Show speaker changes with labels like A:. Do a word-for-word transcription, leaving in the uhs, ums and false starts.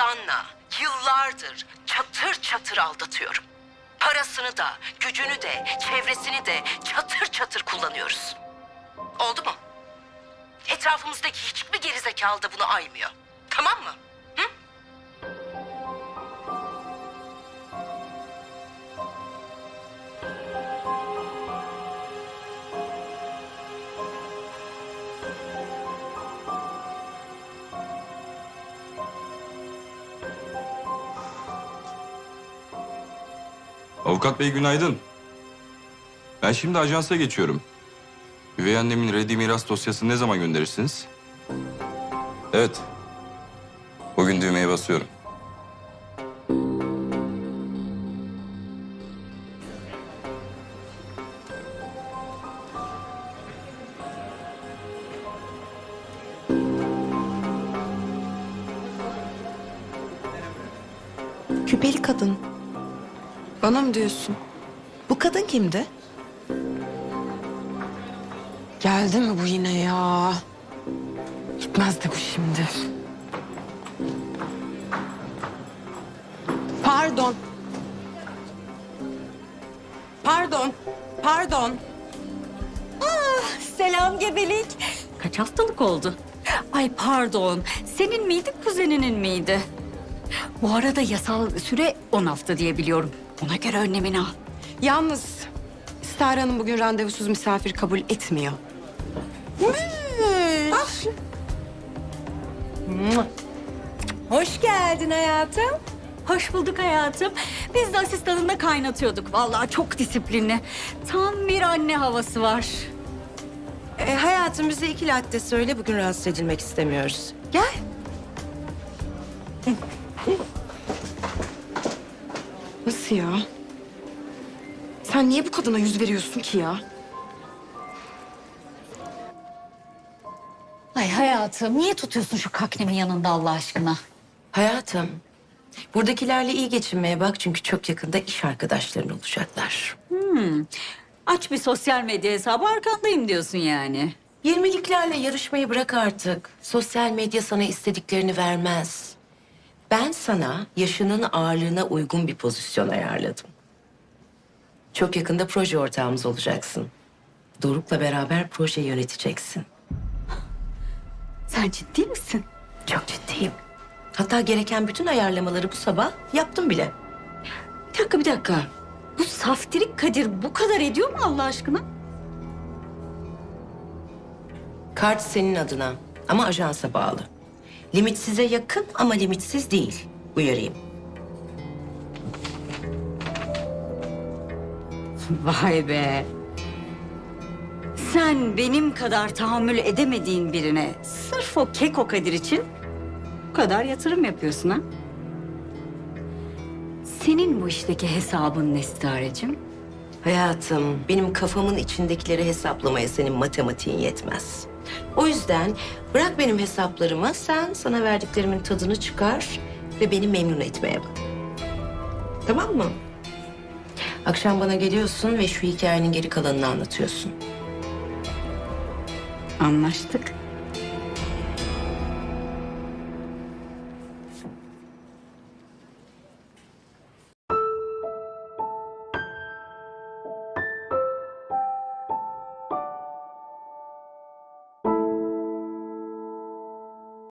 A: Ozan'la yıllardır çatır çatır aldatıyorum. Parasını da, gücünü de, çevresini de çatır çatır kullanıyoruz. Oldu mu? Etrafımızdaki hiçbir gerizekalı da bunu aymıyor. Tamam mı? Hı?
B: Avukat bey günaydın. Ben şimdi ajansa geçiyorum. Üvey annemin reddi miras dosyasını ne zaman gönderirsiniz? Evet. Bugün düğmeye basıyorum.
C: Küpeli kadın. Bana mı diyorsun? Bu kadın kimdi? Geldi mi bu yine ya? Gitmez de bu şimdi. Pardon. Pardon. Pardon.
D: Selam gebelik. Kaç haftalık oldu? Ay pardon. Senin miydi, kuzeninin miydi? Bu arada yasal süre on hafta diye biliyorum. Ona göre önlemini al.
C: Yalnız Star Hanım bugün randevusuz misafir kabul etmiyor.
D: Hoş geldin hayatım. Hoş bulduk hayatım. Biz de asistanınla kaynatıyorduk. Vallahi çok disiplinli. Tam bir anne havası var.
E: E, hayatım bize iki latte söyle. Bugün rahatsız edilmek istemiyoruz.
C: Gel. Nasıl ya? Sen niye bu kadına yüz veriyorsun ki ya?
D: Ay hayatım niye tutuyorsun şu kaknemin yanında Allah aşkına?
E: Hayatım, buradakilerle iyi geçinmeye bak. Çünkü çok yakında iş arkadaşların olacaklar.
D: Aç bir sosyal medya hesabı arkandayım diyorsun yani.
E: Yirmiliklerle yarışmayı bırak artık. Sosyal medya sana istediklerini vermez. Ben sana yaşının ağırlığına uygun bir pozisyon ayarladım. Çok yakında proje ortağımız olacaksın. Doruk'la beraber proje yöneteceksin.
D: Sen ciddi misin?
E: Çok ciddiyim. Hatta gereken bütün ayarlamaları bu sabah yaptım bile.
D: Bir dakika bir dakika. Bu saftirik Kadir bu kadar ediyor mu Allah aşkına?
E: Kart senin adına ama ajansa bağlı. Limit size yakın ama limitsiz değil. Uyarayım.
D: Vay be. Sen benim kadar tahammül edemediğin birine sırf o keko Kadir için bu kadar yatırım yapıyorsun ha? Senin bu işteki hesabın ne Starecim?
E: Hayatım, benim kafamın içindekileri hesaplamaya senin matematiğin yetmez. O yüzden bırak benim hesaplarımı, sen sana verdiklerimin tadını çıkar ve beni memnun etmeye bak. Tamam mı? Akşam bana geliyorsun ve şu hikayenin geri kalanını anlatıyorsun.
D: Anlaştık.